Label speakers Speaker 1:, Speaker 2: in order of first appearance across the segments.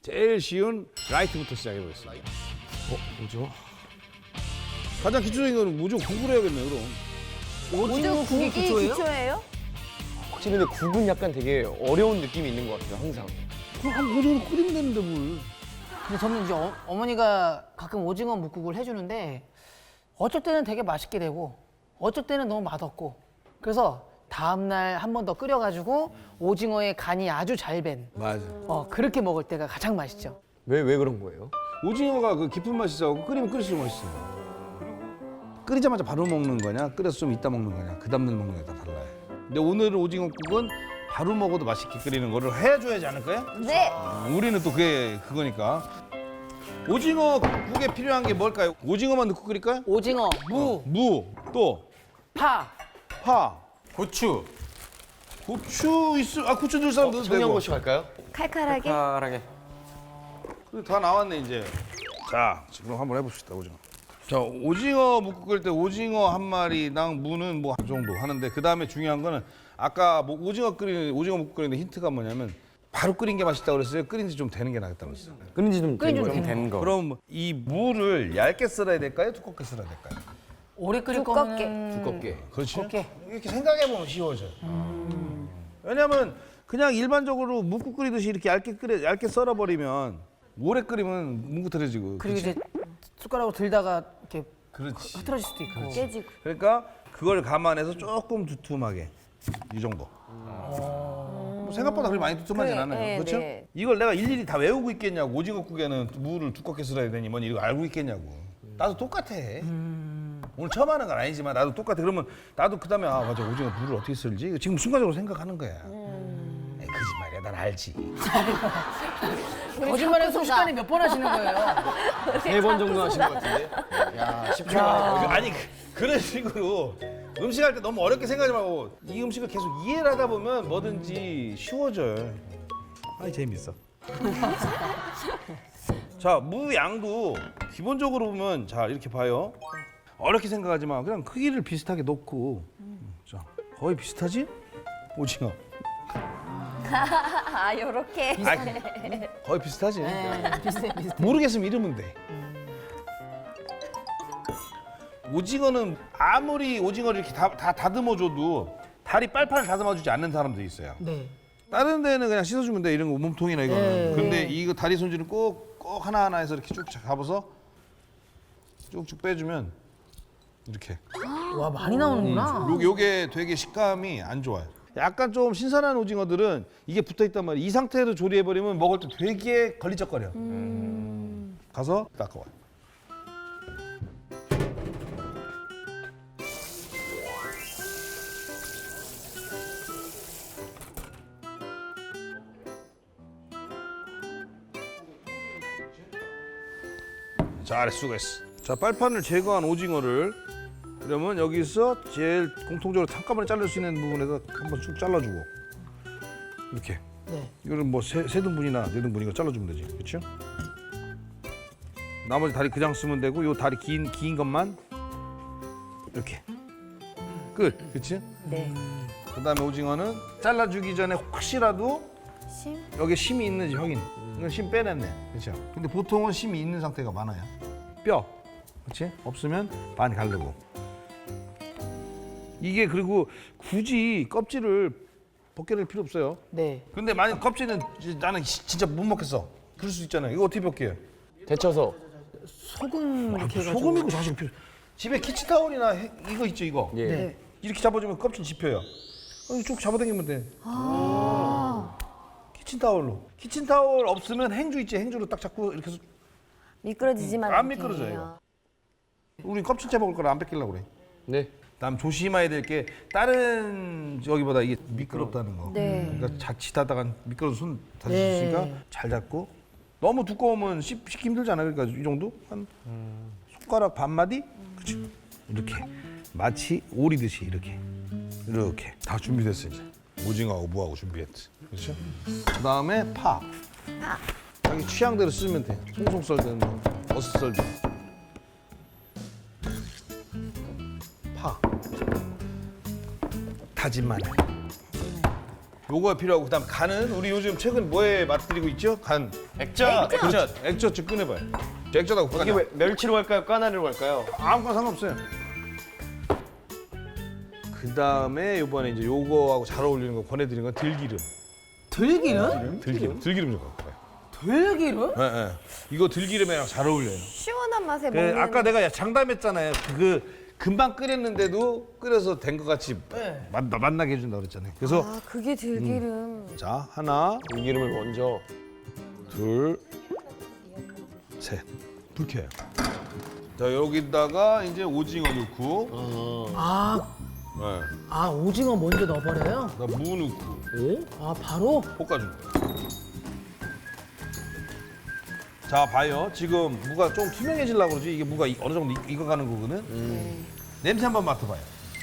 Speaker 1: 제일 쉬운 라이트부터 시작해보겠습니다.
Speaker 2: 뭐죠?
Speaker 1: 가장 기초적인 거는 무조건 국을 해야겠네 그럼.
Speaker 3: 오징어 국이 기초예요?
Speaker 2: 확실히 근데 국은 약간 되게 어려운 느낌이 있는 것 같아요, 항상.
Speaker 1: 그럼 한 오징어 끓이면 되는데 뭘.
Speaker 4: 근데 저는 이제 어머니가 가끔 오징어 묵국을 해주는데 어쩔 때는 되게 맛있게 되고 어쩔 때는 너무 맛없고 그래서 다음날 한 번 더 끓여가지고 오징어의 간이 아주 잘 밴
Speaker 1: 맞아.
Speaker 4: 그렇게 먹을 때가 가장 맛있죠.
Speaker 2: 왜 그런 거예요?
Speaker 1: 오징어가 그 깊은 맛이 있어갖고 끓이면 끓일수록 맛있어. 끓이자마자 바로 먹는 거냐, 끓여서 좀 이따 먹는 거냐, 그 다음날 먹는 게 다 달라요. 근데 오늘은 오징어국은 바로 먹어도 맛있게 끓이는 거를 해줘야지 않을까요?
Speaker 3: 네.
Speaker 1: 우리는 또 그거니까. 오징어국에 필요한 게 뭘까요? 오징어만 넣고 끓일까요?
Speaker 4: 오징어, 무,
Speaker 1: 또
Speaker 4: 파.
Speaker 1: 파,
Speaker 2: 고추.
Speaker 1: 고추 고추 넣을 사람 넣어도 되고.
Speaker 2: 청양고추 갈까요?
Speaker 3: 칼칼하게.
Speaker 2: 칼칼하게.
Speaker 1: 그래, 다 나왔네 이제. 자, 지금 한번 해봅시다 오징어. 자, 오징어 묵국 끓일 때 오징어 한 마리당 무는 뭐 한 정도 하는데 그 다음에 중요한 거는 아까 뭐 오징어 묵국 끓이는데 힌트가 뭐냐면 바로 끓인 게 맛있다고 그랬어요. 끓인 지 좀 되는 게 낫다고 그랬어요.
Speaker 2: 끓인 지좀
Speaker 4: 되는
Speaker 2: 거.
Speaker 1: 그럼 이 무를 얇게 썰어야 될까요? 두껍게 썰어야 될까요?
Speaker 4: 오래 끓일
Speaker 3: 두껍게.
Speaker 4: 거면
Speaker 2: 두껍게.
Speaker 1: 그렇죠.
Speaker 4: 두껍게.
Speaker 1: 이렇게 생각해보면 쉬워져요. 왜냐면 그냥 일반적으로 묵국 끓이듯이 이렇게 얇게 썰어버리면 오래 끓이면 뭉그러지고.
Speaker 4: 그리고
Speaker 1: 그치?
Speaker 4: 이제 숟가락으로 들다가 이렇게
Speaker 1: 그렇지.
Speaker 4: 흐트러질 수도 있고.
Speaker 3: 깨지고.
Speaker 1: 그러니까 그걸 감안해서 조금 두툼하게 이 정도. 뭐 생각보다 그렇게 많이 두툼하진
Speaker 3: 그래,
Speaker 1: 않아요.
Speaker 3: 네,
Speaker 1: 그렇죠?
Speaker 3: 네.
Speaker 1: 이걸 내가 일일이 다 외우고 있겠냐고. 오징어국에는 무를 두껍게 썰어야 되니 뭐니 이거 알고 있겠냐고. 나도 똑같아. 오늘 처음 하는 건 아니지만 나도 똑같아. 그러면 나도 그다음에 아 맞아 오징어 무를 어떻게 썰지? 지금 순간적으로 생각하는 거야. 에이, 거짓말이야. 난 알지.
Speaker 4: 거짓말해서 순식간에 몇 번 하시는 거예요?
Speaker 2: 3번 정도 하신 것 같은데. 야, 쉽지가 않아요.
Speaker 1: 아니 그런 식으로 음식할 때 너무 어렵게 생각하지 말고 이 음식을 계속 이해를 하다 보면 뭐든지 쉬워져요. 아이 재밌어. 자, 무 양도 기본적으로 보면 자 이렇게 봐요. 어렵게 생각하지 마. 그냥 크기를 비슷하게 놓고 자 거의 비슷하지? 오징어.
Speaker 3: 아, 요렇게.
Speaker 1: 거의 비슷하지.
Speaker 4: 비슷해.
Speaker 1: 모르겠으면 이러면 돼. 오징어는 아무리 오징어를 이렇게 다 다듬어줘도 다리 빨판을 다듬어주지 않는 사람도 있어요.
Speaker 4: 네.
Speaker 1: 다른 데는 그냥 씻어주면 돼. 이런 거 몸통이나 이거는. 근데 이거 다리 손질은 꼭 하나하나 해서 이렇게 쭉 잡아서 쭉쭉 빼주면 이렇게.
Speaker 4: 와 많이 나오는구나.
Speaker 1: 요게 되게 식감이 안 좋아요. 약간 좀 신선한 오징어들은 이게 붙어있단 말이에요. 이 상태로 조리해버리면 먹을 때 되게 걸리적거려. 가서 닦아와요. 잘했어, 수고했어. 자, 빨판을 제거한 오징어를 그러면 여기서 제일 공통적으로 한꺼번에 자를 수 있는 부분에서 한번 쭉 잘라주고 이렇게.
Speaker 4: 네.
Speaker 1: 이거를 뭐 세 등분이나 네 등분 이거 잘라주면 되지, 그렇죠? 나머지 다리 그냥 쓰면 되고 요 다리 긴 것만 이렇게 끝, 그렇지?
Speaker 3: 네.
Speaker 1: 그다음에 오징어는 잘라주기 전에 혹시라도
Speaker 3: 심?
Speaker 1: 여기 심이 있는지 확인. 이건 심 빼냈네, 그렇죠? 근데 보통은 심이 있는 상태가 많아요. 뼈, 그렇지? 없으면 반 가르고. 이게 그리고 굳이 껍질을 벗겨낼 필요 없어요.
Speaker 4: 네.
Speaker 1: 근데 만약 껍질은 나는 진짜 못 먹겠어. 그럴 수 있잖아요. 이거 어떻게 벗겨요?
Speaker 2: 데쳐서.
Speaker 4: 소금 이렇게 해가지고.
Speaker 1: 소금이고 자식 필요. 집에 키친타올이나 이거 있죠, 이거.
Speaker 2: 예.
Speaker 4: 네.
Speaker 1: 이렇게 잡아주면 껍질 집혀요. 쭉 잡아당기면 돼. 키친타올로. 키친타올 없으면 행주 있지, 행주로 딱 잡고 이렇게 해서
Speaker 3: 미끄러지지만
Speaker 1: 안
Speaker 3: 않게.
Speaker 1: 미끄러져요. 우리 껍질째 먹을 거라 안 뺏기려고 그래.
Speaker 2: 네.
Speaker 1: 다음 조심해야 될 게 다른 저기보다 이게 미끄럽다는 거.
Speaker 3: 네.
Speaker 1: 그러니까 자칫하다가 미끄러서 손 다칠 수
Speaker 4: 네.
Speaker 1: 있으니까 잘 잡고. 너무 두꺼우면 씻기 힘들잖아요. 그러니까 이 정도 한 손가락 반 마디. 그렇죠. 이렇게 마치 오리듯이 이렇게 다 준비됐어 이제. 오징어하고 무하고 준비했지. 그렇죠. 그다음에 파. 자기 취향대로 쓰면 돼. 송송 썰든 뭐 어슷 썰든. 파. 다진 마늘. 요거가 필요하고 그다음 간은 우리 요즘 최근 뭐에 맛들이고 있죠? 간.
Speaker 2: 액젓.
Speaker 1: 액젓 좀 꺼내봐요. 액젓하고
Speaker 2: 이게 왜 멸치로 할까요? 까나리로 할까요?
Speaker 1: 아무거나 상관없어요. 그 다음에 이번에 이제 요거하고 잘 어울리는 거 권해드리는 건 들기름.
Speaker 4: 들기름?
Speaker 1: 들기름 좀 갖고 와요.
Speaker 4: 들기름?
Speaker 1: 예, 예. 이거 들기름이랑 잘 어울려요.
Speaker 3: 시원한 맛에
Speaker 1: 그
Speaker 3: 먹는.
Speaker 1: 아까 내가 장담했잖아요. 그 금방 끓였는데도 끓여서 된 것 같이
Speaker 4: 네.
Speaker 1: 맛나게 해준다 그랬잖아요. 그래서
Speaker 3: 아 그게 들기름.
Speaker 1: 자 하나,
Speaker 2: 들기름을 먼저.
Speaker 1: 둘, 셋. 불 켜요. 자 여기다가 이제 오징어 넣고,
Speaker 4: 아,
Speaker 1: 네.
Speaker 4: 아 오징어 먼저 넣어버려요?
Speaker 1: 나 무 넣고
Speaker 4: 아 바로?
Speaker 1: 볶아준 거예요. 자 봐요. 지금 무가 좀 투명해지려고 그러지. 이게 무가 어느 정도 익어가는 거거든. 냄새 한번 맡아봐요.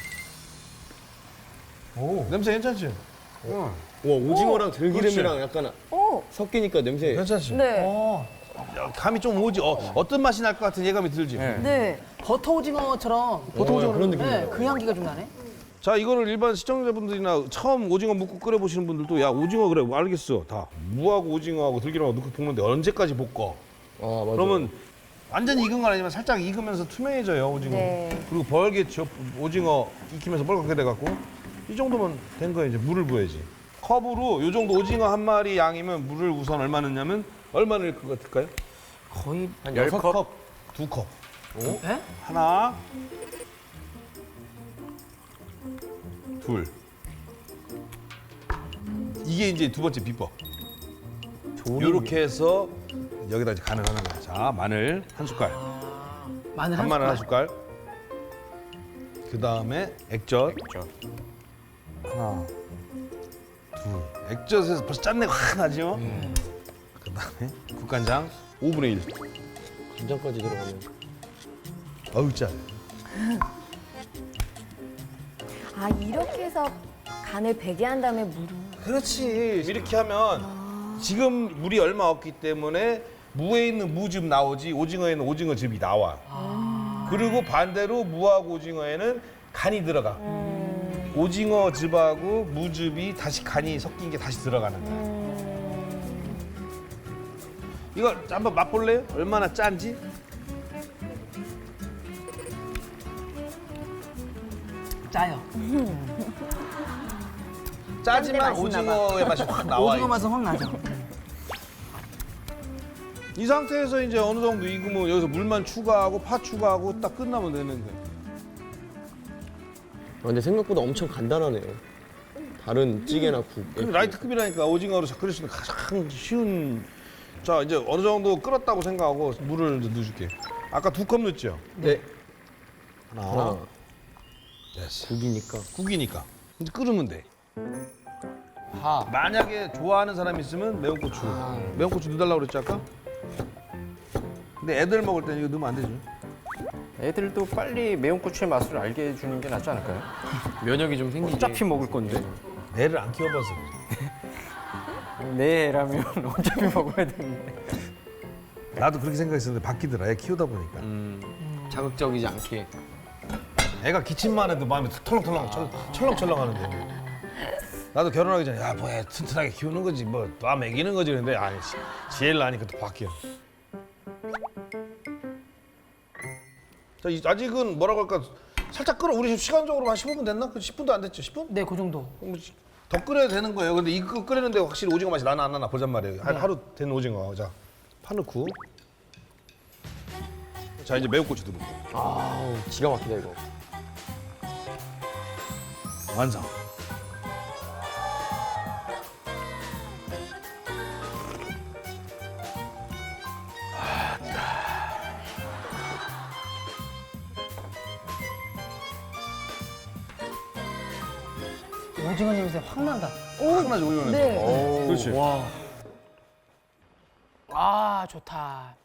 Speaker 1: 오 냄새 괜찮지? 응.
Speaker 2: 와 오징어랑 들기름이랑 약간
Speaker 3: 오.
Speaker 2: 섞이니까 냄새.
Speaker 1: 괜찮지?
Speaker 3: 네.
Speaker 4: 어,
Speaker 1: 감이 좀 오지. 어떤 맛이 날 것 같은 예감이 들지.
Speaker 3: 네.
Speaker 4: 버터 오징어처럼
Speaker 2: 보통 오징어 그런 느낌이에요.
Speaker 4: 네, 그 향기가 좀 나네.
Speaker 1: 자 이거를 일반 시청자분들이나 처음 오징어 묵국 끓여보시는 분들도 야 오징어 그래 알겠어 다 무하고 오징어하고 들기름하고 넣고 볶는데 언제까지 볶어?
Speaker 2: 맞아.
Speaker 1: 그러면 완전히 익은 건 아니지만 살짝 익으면서 투명해져요 오징어.
Speaker 3: 네.
Speaker 1: 그리고 벌게 오징어 익히면서 빨갛게 돼갖고 이 정도면 된 거예요. 이제 물을 부어야지. 컵으로 요 정도 오징어 한 마리 양이면 물을 우선 얼마 넣냐면 얼마 넣을 것 같을까요?
Speaker 4: 거의
Speaker 2: 한 10컵?
Speaker 1: 2컵.
Speaker 4: 네?
Speaker 1: 하나, 둘. 이게 이제 두 번째 비법. 이렇게 해서 여기다 이제 간을 하는 거야. 자, 마늘 한 숟갈,
Speaker 4: 마늘 한
Speaker 1: 간마늘 한
Speaker 4: 숟갈.
Speaker 1: 숟갈. 그 다음에 액젓. 하나, 둘. 액젓에서 벌써 짠내가 확 나죠? 그 다음에 국간장 5분의 1.
Speaker 2: 간장까지 들어가면.
Speaker 1: 어우, 짠.
Speaker 3: 아 이렇게 해서 간을 배게 한 다음에 물을.
Speaker 1: 그렇지. 이렇게 하면 지금 물이 얼마 없기 때문에 무에 있는 무즙 나오지 오징어에는 오징어즙이 나와. 그리고 반대로 무하고 오징어에는 간이 들어가. 오징어즙하고 무즙이 다시 간이 섞인 게 다시 들어가는 거야. 이거 한번 맛볼래요? 얼마나 짠지?
Speaker 4: 짜요.
Speaker 1: 짜지만
Speaker 3: 짠데 맛있나 봐.
Speaker 1: 오징어의 맛이 확 나와.
Speaker 4: 오징어 맛은 확 나죠.
Speaker 1: 이 상태에서 이제 어느 정도 익으면 여기서 물만 추가하고 파 추가하고 딱 끝나면 되는 거예요.
Speaker 2: 근데 생각보다 엄청 간단하네요. 다른 찌개나 국.
Speaker 1: 근데 라이트급이라니까 오징어로 끓일 수 있는 가장 쉬운. 자 이제 어느 정도 끓었다고 생각하고 물을 이제 넣어줄게. 아까 2컵 넣었죠?
Speaker 2: 네.
Speaker 1: 하나. 됐어.
Speaker 2: 국이니까.
Speaker 1: 국이니까. 이제 끓으면 돼.
Speaker 2: 파.
Speaker 1: 만약에 좋아하는 사람이 있으면 매운 고추. 매운 고추 넣어달라고 그랬지 아까? 근데 애들 먹을 때는 이거 넣으면 안 되죠.
Speaker 5: 애들도 빨리 매운 고추의 맛을 알게 해주는 게 낫지 않을까요?
Speaker 2: 면역이 좀 생기지.
Speaker 5: 어차피 먹을 건데.
Speaker 1: 애를 안 키워봐서 그래.
Speaker 5: 내 애라면 어차피 먹어야 되는데.
Speaker 1: 나도 그렇게 생각했었는데 바뀌더라. 애 키우다 보니까.
Speaker 2: 자극적이지 않게.
Speaker 1: 애가 기침만 해도 마음이 털렁털렁 철렁철렁 하는데 나도 결혼하기 전에 야 뭐 애 튼튼하게 키우는 거지 뭐 나 먹이는 거지 근데 아니 지혜를 아니까 또 바뀌어. 자 아직은 뭐라고 할까 살짝 끓어. 우리 지금 시간적으로 한 15분 됐나? 10분도 안 됐죠? 10분?
Speaker 4: 네, 그 정도.
Speaker 1: 더 끓여야 되는 거예요. 근데 이거 끓이는데 확실히 오징어 맛이 나나 안 나나 보잔 말이에요. 하루 된 오징어. 자 파 넣고 자 이제 매운 고추 넣고
Speaker 2: 아우 기가 막히다 이거.
Speaker 1: 완성.
Speaker 4: 오징어 냄새 확 난다.
Speaker 1: 확 나지 오징어 냄새.
Speaker 3: 네.
Speaker 1: 그렇지.
Speaker 2: 와.
Speaker 4: 아, 좋다.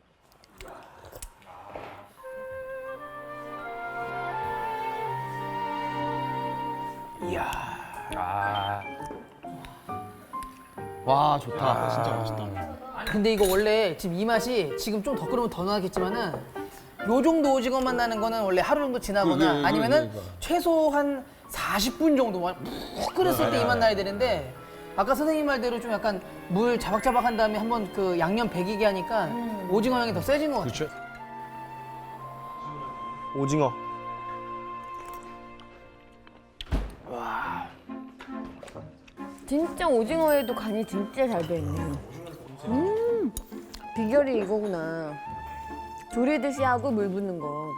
Speaker 2: 와 좋다. 진짜 맛있다.
Speaker 4: 근데 이거 원래 지금 이 맛이 지금 좀 더 끓으면 더 나겠지만은 요 정도 오징어만 나는 거는 원래 하루 정도 지나거나 아니면은 최소 한 40분 정도만 푹 끓였을 때 이 맛 나야 되는데 아까 선생님 말대로 좀 약간 물 자박자박 한 다음에 한번 그 양념 배기게 하니까 오징어 향이 더 세진 것 같아요.
Speaker 1: 그렇죠.
Speaker 2: 오징어.
Speaker 3: 진짜 오징어에도 간이 진짜 잘 배있네. 비결이 이거구나. 조리듯이 하고 물 붓는 거.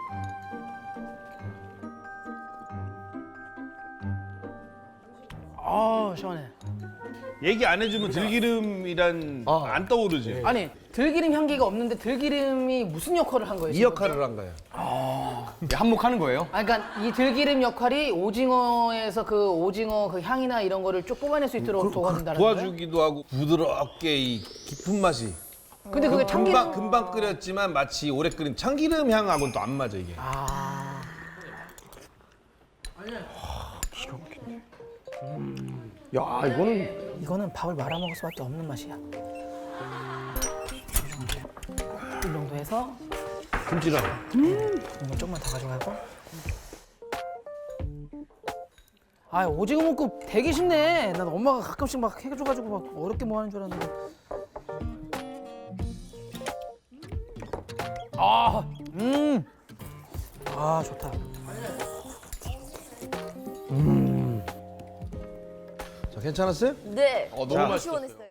Speaker 4: 아 시원해.
Speaker 1: 얘기 안 해주면 들기름이란 안 떠오르지.
Speaker 4: 아니 들기름 향기가 없는데 들기름이 무슨 역할을 한 거예요?
Speaker 1: 이
Speaker 4: 지금?
Speaker 1: 역할을 한 거야.
Speaker 2: 한몫하는 거예요?
Speaker 4: 아, 그러니까 이 들기름 역할이 오징어에서 그 오징어 그 향이나 이런 거를 쭉 뽑아낼 수 있도록 도와준다는 거예요?
Speaker 1: 도와주기도 하고 부드럽게 이 깊은 맛이.
Speaker 4: 근데 그게 참기름
Speaker 1: 금방 끓였지만 마치 오래 끓인 참기름 향하고는 또 안 맞아 이게.
Speaker 2: 야,
Speaker 4: 이거는 밥을 말아 먹을 수밖에 없는 맛이야. 이 정도 해서
Speaker 1: 김치랑.
Speaker 4: 이거 조금만 더 가져가고. 아 오징어 먹고 되게 쉽네. 난 엄마가 가끔씩 막 해줘가지고 막 어렵게 뭐 하는 줄 알았는데. 아 좋다.
Speaker 1: 자 괜찮았어요?
Speaker 3: 네.
Speaker 1: 너무
Speaker 3: 너무
Speaker 1: 맛있었어요.
Speaker 3: 시원했어요.